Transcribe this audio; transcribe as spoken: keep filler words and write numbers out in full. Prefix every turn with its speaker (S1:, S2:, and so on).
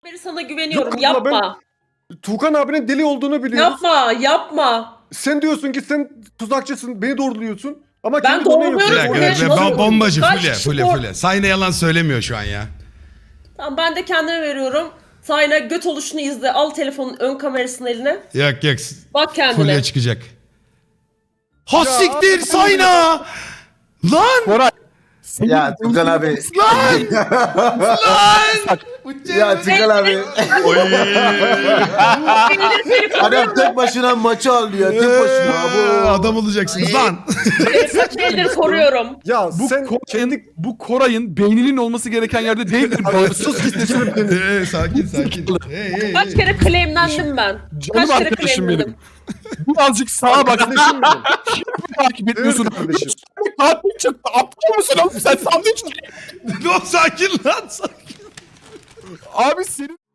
S1: beri sana güveniyorum.
S2: Yok,
S1: Yapma.
S2: Tuğkan abinin deli olduğunu biliyoruz.
S1: Yapma. Yapma.
S2: Sen diyorsun ki sen tuzakçısın, beni doğruluyorsun. Ama
S1: Ben
S2: kendi donen
S1: doğruluyorum.
S2: yapıyorsun.
S3: Bir dakika,
S1: Oraya
S3: be-
S1: nasıl-
S3: bom- bombacı
S1: Kaç
S3: füle
S1: kişi
S3: füle
S1: doğru-
S3: füle. Sayne yalan söylemiyor şu an ya.
S1: Tamam ben de kendime veriyorum. Sayna göt oluşunu izle. Al telefonun ön kamerasını eline.
S3: Yok yok.
S1: Bak kendine.
S3: Fulya çıkacak. Ha
S2: Ya,
S3: siktir
S2: abi,
S3: Sayna! Lan!
S4: Koray.
S5: Ya Tukan abi.
S3: Lan! Lan!
S5: Ya Tukan abi. Adam tek başına maçı alıyor. Tek başına.
S3: Ee,
S5: Bu.
S3: Adam olacaksınız lan.
S1: Kaç eldir koruyorum.
S2: Ya
S4: Bu
S2: sen
S4: Koray'ın,
S2: kendi...
S4: bu Koray'ın beyninin olması gereken yerde değildir.
S2: Abi, sus git sesini benim.
S3: Ee, sakin sakin. Hey, hey,
S1: Kaç
S3: hey.
S1: kere claimlendim ben.
S4: Canım
S1: Kaç kere
S4: arkadaşım
S1: claimlendim.
S4: benim. Birazcık sağa bak.
S2: Kardeşim benim.
S4: Takip etmiyorsun.
S2: Evet kardeşim.
S4: Tatil çıktı. Aptal mısın oğlum sen sandviç?
S3: Dur sakin lan sakin.
S4: Abi senin